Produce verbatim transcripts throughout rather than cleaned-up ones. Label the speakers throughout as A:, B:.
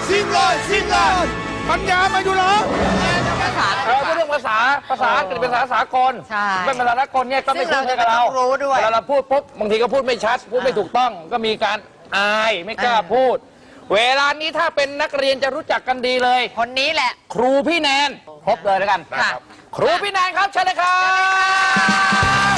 A: ซิงเลยซิงเลยปัญญามาอยู่เหรอ
B: เออเรื่องภาษาภาษาอังกฤษเป็นภาษาสากลเป็นภาษาสากลเนี่ยก็ไม่คุ้นเคยกับเราเวลาเราพูดปุ๊บบางทีก็พูดไม่ชัดพูดไม่ถูกต้องก็มีการอายไม่กล้าพูดเวลานี้ถ้าเป็นนักเรียนจะรู้จักกันดีเลย
C: คนนี้แหละ
B: ครูพี่แนนพบเลยแล้วกันครูพี่แนนครับเชิญเลยครับ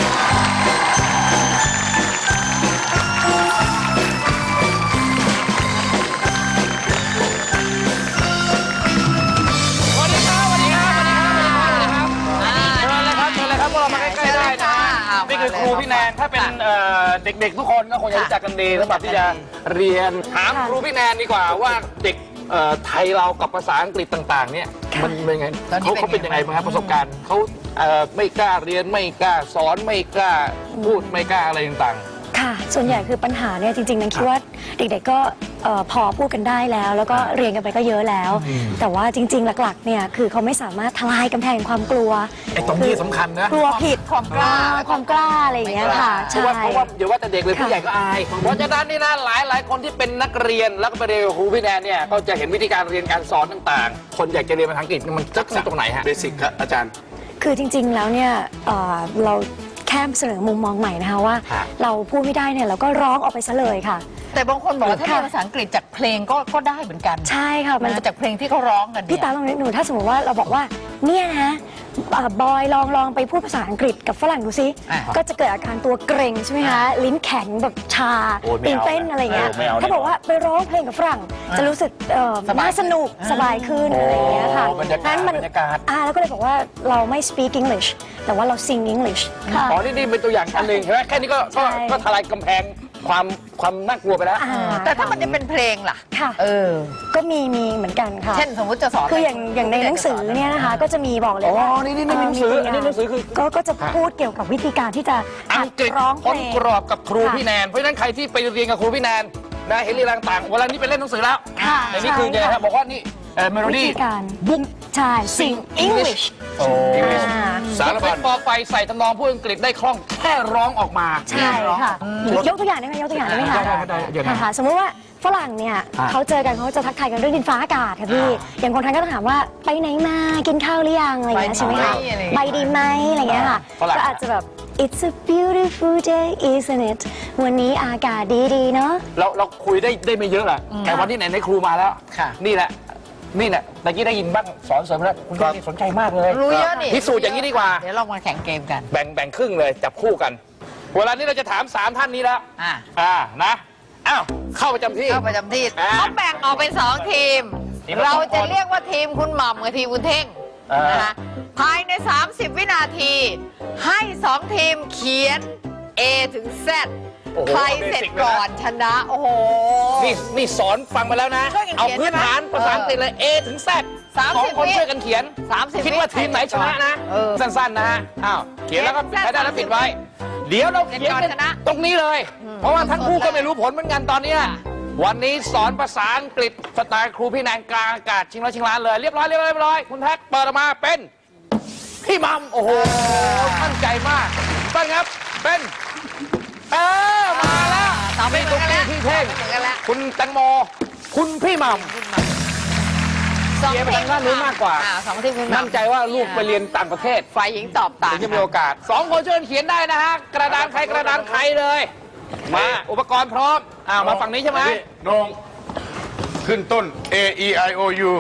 B: นี่คือครูพี่แนนถ้าเป็นเด็กๆทุกคนก็คงจะรู้จักกันดีสำหรับที่จะเรียนถามครูพี่แนนดีกว่าว่าเด็กไทยเรากับภาษาอังกฤษต่างๆเนี่ยมันเป็นยังไงเขาเขาเป็นยังไงบ้างครับประสบการณ์เขาไม่กล้าเรียนไม่กล้าสอนไม่กล้าพูดไม่กล้าอะไรต่าง
D: ๆค่ะส่วนใหญ่คือปัญหาเนี่ยจริงๆนันคิดว่าเด็กๆก็พอพูดกันได้แล้วแล้วก็เรียนกันไปก็เยอะแล้วแต่ว่าจริงๆหลักๆเนี่ยคือเขาไม่สามารถทลายกำแพงความกลัว
B: ไอ้ตรงนี้สำคัญนะ
D: กลัวผิด
C: ความกล้า
D: ความกล้าอะไรอย่างเงี้ยค่ะ
B: เพราะว่าเพราะว่าเดี๋ยวว่าแต่เด็กเลยผู้ใหญ่ก็อายเพราะฉะนั้นนี่นะหลายหลายคนที่เป็นนักเรียนแล้วก็ไปเรียนกับครูพี่แนนเนี่ยก็จะเห็นวิธีการเรียนการสอนต่างๆคนอยากจะเรียนภาษาอังกฤษมันจะตรงไหนฮะ
A: เบสิกครับอาจารย์
D: คือจริงๆแล้วเนี่ยเราแค่เสนอมุมมองใหม่นะคะว่าเราพูดไม่ได้เนี่ยเราก็ร้องออกไปซะเลยค่ะ
C: แต่บางคนบอกว่าถ้าเรียนภาษาอังกฤษจากเพลงก็ก็ได้เหมือนกัน
D: ใช่ค่ะ
C: มันจากเพลงที่เขาร้องกัน
D: พี่ตาลองนึกหนูถ้าสมมติว่าเราบอกว่าเนี่ยนะบอยลองลองไปพูดภาษาอังกฤษกับฝรั่งดูซิก็จะเกิดอาการตัวเกร็งใช่ไหมคะลิ้นแข็งแบบชาตื่นเต้นอะไรเงี้ยถ้าบอกว่าไปร้องเพลงกับฝรั่งจะรู้สึกน่าสนุกสบายขึ้นอะไรเงี้ยค่ะ
B: นั้นมัน
D: อ่าแล้วก็เลยบอกว่าเราไม่ speak English แต่ว่าเรา sing English
B: ค่ะอ๋อนี่นี่เป็นตัวอย่างอันหนึ่งใช่ไหมแค่นี้ก็ก็ทลายกำแพงความความน่ากลัวไปแล้ว
C: แต่ถ้ามันจะเป็นเพลงล่ะ
D: ค่ะเออก็มีมีเหมือนกันค่ะ
C: เช่นสมมติจะสอน
D: คืออย่างอย่างในหนังสือเนี่ยนะคะก็จะมีบอกเลยว่า
B: อ๋อนี่นี่หนังสืออันนี้หนังสือคือ
D: ก็ก็จะพูดเกี่ยวกับวิธีการที่จะ
B: อังกฤษค้นกรอบกับครูพี่แนนเพราะฉะนั้นใครที่ไปเรียนกับครูพี่แนนนะเห็นเรื่องต่างเวลานี้ไปเล่นหนังสือแล้วในนี้คือเนี่ยครับบอกว่านี่เมโลดี้
D: บุ๊กใช่ sing English
B: โอ้สารพัดบอกไปใส่ตำนองพูดอังกฤษได้คล่องแค่ร้องออกมา
D: ใช่ค่ะยกตัวอย่างได้ไหมยกตัวอย่างได้ไหมคะค่ะสมมติว่าฝรั่งเนี่ยเขาเจอกันเขาจะทักทายกันเรื่องดินฟ้าอากาศค่ะพี่อย่างคนไทยก็ต้องถามว่าไปไหนมากินข้าวหรือยังอะไรอย่างเงี้ยใช่ไหมคะไปดีไหมอะไรอย่างเงี้ยค่ะก็อาจจะแบบ It's a beautiful day isn't it วันนี้อากาศดีๆเนาะ
B: เราเราคุยได้ได้ไม่เยอะแหละแต่วันที่ไหนในครูมาแล้วนี่แหละนี่แหละตะกี้ได้ยินบ้างสอนเสริมแล้วคุณแม่สนใจมากเลย
C: รู้เยอะนี่
B: พิสูจน์อย่างนี้ดีกว่า
C: เดี๋ยวลองมาแข่งเกมกัน
B: แบ่งแบ่งครึ่งเลยจับคู่กันเวลานี้เราจะถามสามท่านนี้แล้วอ่าอ่านะอ้าวเข้าประจำที่
C: เข้าประจำที่เขาแบ่งออกเป็นสองทีมเราจะเรียกว่าทีมคุณหม่ำกับทีมคุณเท่งนะคะภายในสามสิบวินาทีให้สองทีมเขียน A ถึง Z ใครเสร็จก่อนชนะโอ้โห
B: นี่นี่สอนฟังมาแล้วนะเอาพื้นฐานภาษาอังกฤษเลย A ถึง Z สองคนช่วยกันเขียนคิดว่าทีมไหนชนะนะสั้นๆนะฮะอ้าวเขียนแล้วก็ใครได้แล้วปิดไว้เดี๋ยวเราเขียนกันตรงนี้เลยเพราะว่าทั้งคู่ก็ไม่รู้ผลเหมือนกันตอนนี้วันนี้สอนภาษาอังกฤษสไตล์ครูพี่แนนกลางอากาศชิงร้อยชิงล้านเลยเรียบร้อยเรียบร้อยเรียบร้อยคุณแท็กเปิดออกมาเป็นพี่มัมโอ้โหมั่นใจมากต้นครับเป็นเออมาแล้ว
C: นี่ตุ๊ก
B: กี้พี่เท่งคุณแตงโมคุณพี่มัมเชียร์ไปทางด้านนู้นมากกว่ามั่นใจว่าลูกไปเรียนต่างประเทศ
C: ฝ่ายหญิงตอบต่าง
B: จะมีโอกาสสองคนช่วยเขียนได้นะฮะกระดานใครกระดานใครเลยมาอุปกรณ์พร้อมอ้าวมาฝั่งนี้ใช่ไหม
A: น้องขึ้นต้น A E I O U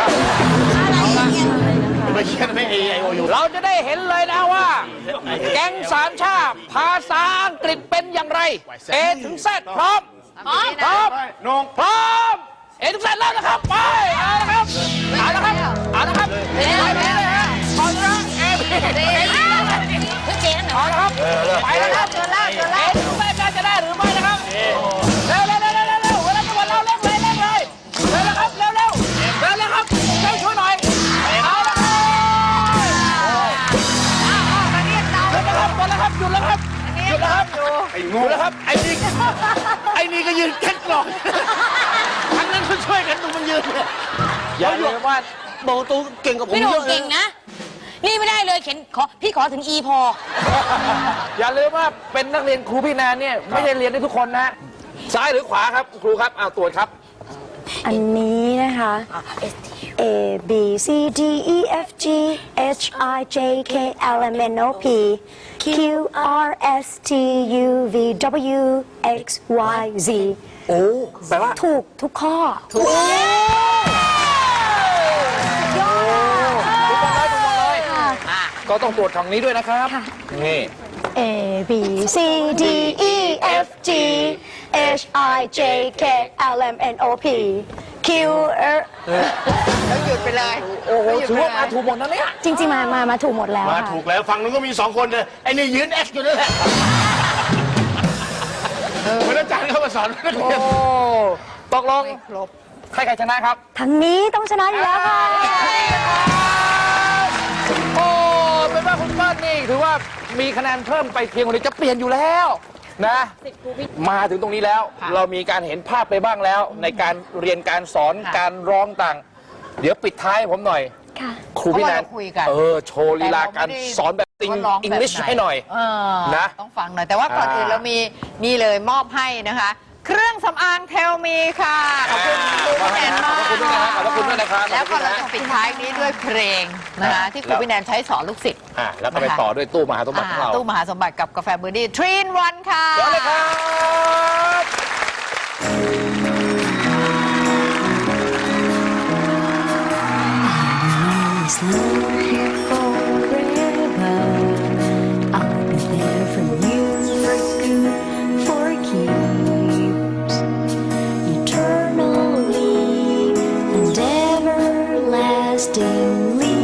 A: ไม่เขียนไม่ A E I O U
B: เราจะได้เห็นเลยนะว่าแก๊งสามชาติภาษาอังกฤษเป็นอย่างไร A ถึง Z พร้อมพร้อม
A: น้อง
B: พร้อม A ถึง Z แล้วนะครับไปเอาละครับเอาละครับเอาละครับไปเลยฮะพร้อมนะ A เอาละครับไปแล้วครับเอถึงแม่จะได้หรือไม่นะครับเร็วเร็วเร็วเร็วเร็วเวลาจะหมดเราเร่งเลยเร่งเลยเร็วนะครับเร็วเร็วเร็วเร็วครับช่วยช่วยหน่อยเอาละครับหยุดแล้วครับหมดแล้วครับหยุดแล้วครับหยุดแล้วครับ
A: ไอ้งู
B: แล้วครับไอ้นี่ไอ้นี่ก็ยืนแค่กล่องทั้งนั้นช่วยกันดูมันยืนอย่าหยุดว่าโบตูเก่งกับผม
E: พี่หนุ่มเก่งนะนี่ไม่ได้เลยเข็นขอพี่ขอถึง E พอ
B: อย่าลืมว่าเป็นนักเรียนครูพี่แนนเนี่ยไม่ได้เรียนได้ทุกคนนะซ้ายหรือขวาครับครูครับเอาตรวจครับ
D: อันนี้นะคะ A B C D E F G H I J K L M N O P Q R S T U V W X Y Z
B: โอ้แปลว่า
D: ถูกทุกข้อ
B: ถูกยอดถูกหมดเลยถูกหมดเลยก็ต้องตรวจของนี้ด้วยนะครับ
D: ค่ะ
B: นี่
D: A B C D E F G H I J K L M N O P Q R
C: แล้วหยุดไปเลย
B: โอ้โหถือว่ามาถูกหมดนะเนี่ย
D: จริงๆ มา มา มาถูกหมดแล้ว
A: มา
D: ค่ะ
A: ถูกแล้วฝั่งนู้นก็มีสองคนเลยไอ้นี่ยืนเอ็กซ์อยู่นั่นแหละเหมือนอาจารย์เข้ามาสอนนัก
B: โอ้
A: เรียน
B: ตกลงใครใครชนะครับ
D: ทางนี้ต้องชนะอยู่แล้วค่ะ
B: โอ้เป็นว่าคุณเปิ้ลนี่ถือว่ามีคะแนนเพิ่มไปเพียงคนเดียวจะเปลี่ยนอยู่แล้วนะมาถึงตรงนี้แล้ว เรามีการเห็นภาพไปบ้างแล้ว ในการเรียนการสอนการร้องต่าง เดี๋ยวปิดท้ายให้ผมหน่อย
D: ค่ะ
B: ครูพี่แนน
C: เพราะว่าเราคุยกัน
B: เออโชว์ลีลาการสอนแบบติง
C: ว่าร้อง
B: อัง
C: แบบ
B: กฤษ
C: ไ
B: ให้หน่อย
C: เออ
B: นะ
C: ต้องฟังหน่อย แต่ว่าก่อน
B: อ่า
C: อื่นเรามีนี่เลยมอบให้นะคะ เครื่องสำอางเทลมีค่ะ ขอบคุณครูพี่แนนมาก
B: ขอบคุณด้วยนะครับขอบคุณด้วยนะครับ
C: แล้วก็
B: ขอบ
C: เรา
B: คุณนะ
C: จะปิดท้ายนี้ด้วยเพลงนะคะ
B: อ่า
C: ที่ครูพี่แนนใช้สอนลูกศิษย์
B: อ่ะแล้วก็ไปต่อด้วยตู้มหาสมบัติของเรา
C: อ่าตู้มหาสมบัติกับกาแฟเบอร์ดี้ทรีนวันค่ะ
B: เดี๋ยวเลยครับ
D: It's not here forever. I'll be there for you for good, for keeps. Eternally and everlastingly.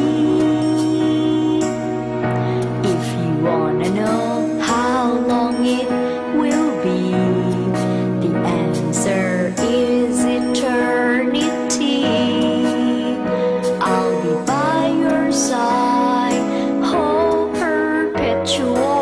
D: If you wanna know how long it will be, the answer is eternity. I'll be by your side, oh perpetual.